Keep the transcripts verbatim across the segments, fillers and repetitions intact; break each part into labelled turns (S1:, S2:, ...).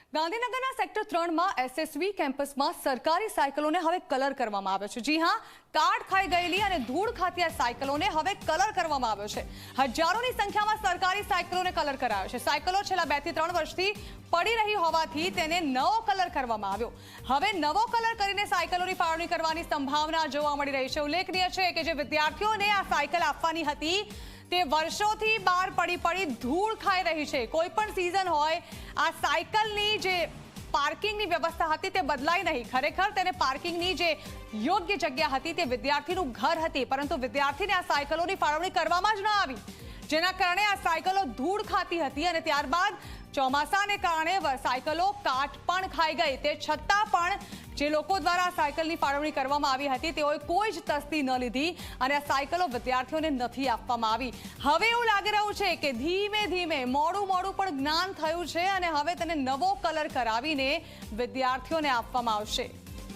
S1: ગાંધીનગરના સેક્ટર ત્રણ માં એસએસવી કેમ્પસમાં સરકારી સાયકલોને હવે કલર કરવામાં આવ્યો છે। જી હા, કાટ ખાઈ ગયેલી અને ધૂળ ખાતી આ સાયકલોને હવે કલર કરવામાં આવ્યો છે। હજારોની સંખ્યામાં સરકારી સાયકલોને કલર કરાયો છે। સાયકલો છેલ્લા બે થી ત્રણ વર્ષથી પડી રહી હોવાથી તેને નવો કલર કરવામાં આવ્યો। હવે નવો કલર કરીને સાયકલોની ફાળવણી કરવાની સંભાવના જોવા મળી રહી છે। ઉલ્લેખનીય છે કે જે વિદ્યાર્થીઓને આ સાયકલ આપવાની હતી તે વર્ષોથી બહાર પડી પડી ધૂળ ખાઈ રહી છે। કોઈ પણ સીઝન હોય, આ સાયકલની જે પાર્કિંગની વ્યવસ્થા હતી તે બદલાઈ નહીં। ખરેખર તેને પાર્કિંગની જે યોગ્ય જગ્યા હતી તે વિદ્યાર્થીનું ઘર હતી, પરંતુ વિદ્યાર્થીને આ સાયકલોની ફાળવણી કરવામાં જ ન આવી, જેના કારણે આ સાયકલો ધૂળ ખાતી હતી અને ત્યારબાદ ચોમાસાને કારણે સાયકલો કાટ પણ ખાઈ ગઈ। તે છતાં પણ જે લોકો દ્વારા આ સાયકલની ફાળવણી કરવામાં આવી હતી તેઓએ કોઈ જ તસ્દી ન લીધી અને આ સાયકલો વિદ્યાર્થીઓને નથી આપવામાં આવી। હવે એવું લાગી રહ્યું છે કે ધીમે ધીમે મોડું મોડું પણ જ્ઞાન થયું છે અને હવે તેને નવો કલર કરાવીને વિદ્યાર્થીઓને આપવામાં આવશે।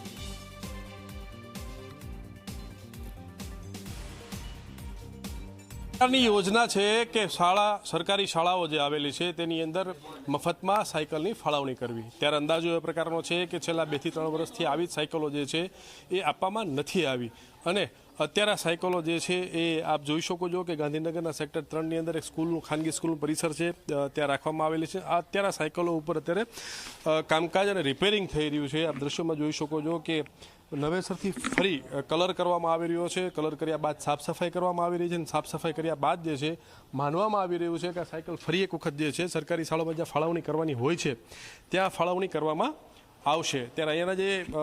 S2: સરકારની યોજના છે કે શાળા સરકારી શાળાઓ જે આવેલી છે તેની અંદર મફતમાં સાયકલની ફાળવણી કરવી। ત્યારે અંદાજો એ પ્રકારનો છે કે છેલ્લા બે થી ત્રણ વર્ષથી આવી જ સાયકલો જે છે એ આપવામાં નથી આવી અને અત્યારે સાયકલો જે છે એ આપ જોઈ શકો છો કે ગાંધીનગરના સેક્ટર ત્રણની અંદર એક સ્કૂલનું ખાનગી સ્કૂલનું પરિસર છે, ત્યાં રાખવામાં આવેલી છે। આ અત્યારે સાયકલો ઉપર અત્યારે કામકાજ અને રિપેરિંગ થઈ રહ્યું છે। આપ દ્રશ્યોમાં જોઈ શકો છો કે નવેસરથી ફરી કલર કરવામાં આવી રહ્યો છે। કલર કર્યા બાદ સાફ સફાઈ કરવામાં આવી રહી છે અને સાફ સફાઈ કર્યા બાદ જે છે માનવામાં આવી રહ્યું છે કે આ સાયકલ ફરી એક વખત જે છે સરકારી શાળામાં જ્યાં ફાળવણી કરવાની હોય છે ત્યાં ફાળવણી કરવામાં આવશે। ત્યારે અહીંયાના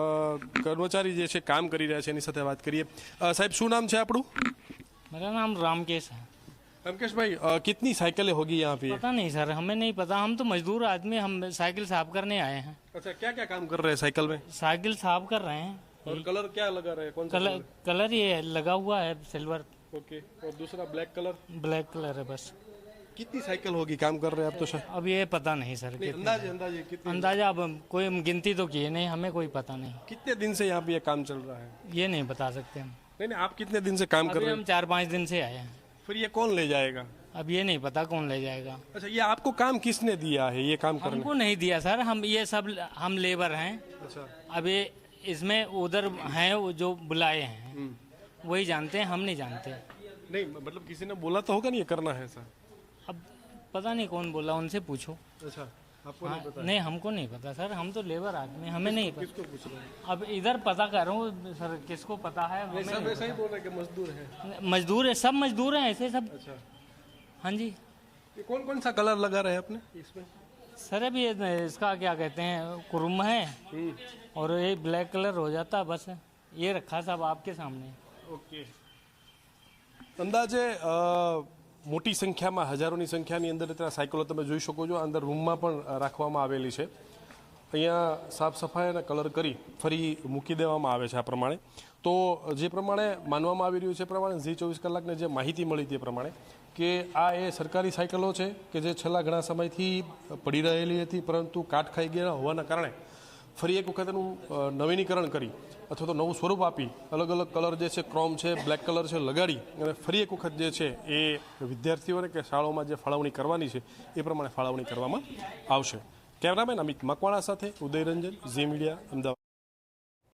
S2: જે કર્મચારી જે છે કામ કરી રહ્યા છે એની સાથે વાત કરીએ। સાહેબ, શું નામ છે આપણું?
S3: मेरा नाम रामकेश है।
S2: रामकेश भाई, कितनी साइकिलें होगी यहाँ पे?
S3: पता नहीं सर, हमें नहीं पता। हम तो मजदूर आदमी, हम साइकिल साफ करने आए हैं।
S2: अच्छा, क्या क्या काम कर रहे हैं साइकिल में?
S3: साइकिल साफ कर रहे हैं।
S2: और कलर क्या लगा रहे हैं? कौन सा
S3: कलर कलर ये लगा हुआ है सिल्वर।
S2: ओके, और दूसरा ब्लैक कलर?
S3: ब्लैक कलर है बस।
S2: कितनी साइकिल होगी काम कर रहे हैं आप? तो शायद
S3: अब ये पता नहीं सर,
S2: नहीं, अंदाजे अंदाजे कितनी?
S3: अंदाजा अब कोई हम गिनती तो किए नहीं, हमें कोई पता नहीं।
S2: कितने दिन से यहाँ पे ये काम चल रहा है?
S3: ये नहीं बता सकते हम।
S2: नहीं नहीं, आप कितने दिन से काम कर
S3: अभी
S2: रहे
S3: हम
S2: हैं?
S3: चार पाँच दिन से आए हैं।
S2: फिर ये कौन ले जाएगा?
S3: अब ये नहीं पता कौन ले जाएगा।
S2: अच्छा, ये आपको काम किसने दिया है ये काम करने?
S3: हमको नहीं दिया सर, हम ये सब हम लेबर हैं।
S2: अच्छा,
S3: अब ये इसमें उधर हैं वो जो बुलाए हैं वही जानते हैं, हम नहीं जानते।
S2: नहीं मतलब किसी ने बोला तो होगा नहीं ये करना है सर?
S3: अब पता नहीं कौन बोला, उनसे पूछो।
S2: अच्छा, आपको
S3: हाँ,
S2: नहीं पता?
S3: नहीं हमको नहीं पता सर, हम तो लेबर आदमी, हमें नहीं पता।
S2: किसको पूछ रहे हैं?
S3: अब इधर पता कर रहा हूँ सर, किसको पता है हमें
S2: सब
S3: नहीं
S2: ऐसा ही बोल रहे हैं कि मजदूर है।
S3: पता। मजदूर है, सब मजदूर हैं ऐसे सब।
S2: अच्छा,
S3: हाँ जी
S2: ये कौन कौन सा कलर लगा रहे हैं आपने इसमें?
S3: सर, अभी ये इसका क्या कहते हैं, कुरुम है और ये ब्लैक कलर हो जाता बस। ये रखा सब आपके सामने।
S2: ओके, अंदाजे मोटी संख्याમાં હજારોની સંખ્યાની અંદર અત્યારે સાયકલો તમે જોઈ શકો છો અંદર રૂમમાં પણ રાખવામાં આવેલી છે। અહીંયા સાફ સફાઈ અને કલર કરી ફરી મૂકી દેવામાં આવે છે। આ પ્રમાણે તો જે પ્રમાણે માનવામાં આવી રહ્યું છે પ્રમાણે ઝી ચોવીસ કલાકને જે માહિતી મળી તે પ્રમાણે કે આ એ સરકારી સાયકલો છે કે જે છેલ્લા ઘણા સમયથી પડી રહેલી હતી, પરંતુ કાટ ખાઈ ગયા હોવાના કારણે ફરી એક વખત એનું નવીનીકરણ કરી અથવા તો નવું સ્વરૂપ આપી અલગ અલગ કલર જે છે, ક્રોમ છે, બ્લેક કલર છે, લગાડી અને ફરી એક વખત જે છે એ વિદ્યાર્થીઓને કે શાળાઓમાં જે ફાળવણી કરવાની છે એ પ્રમાણે ફાળવણી કરવામાં આવશે। કેમેરામેન અમિત મકવાણા સાથે ઉદય રંજન, ઝી મીડિયા, અમદાવાદ।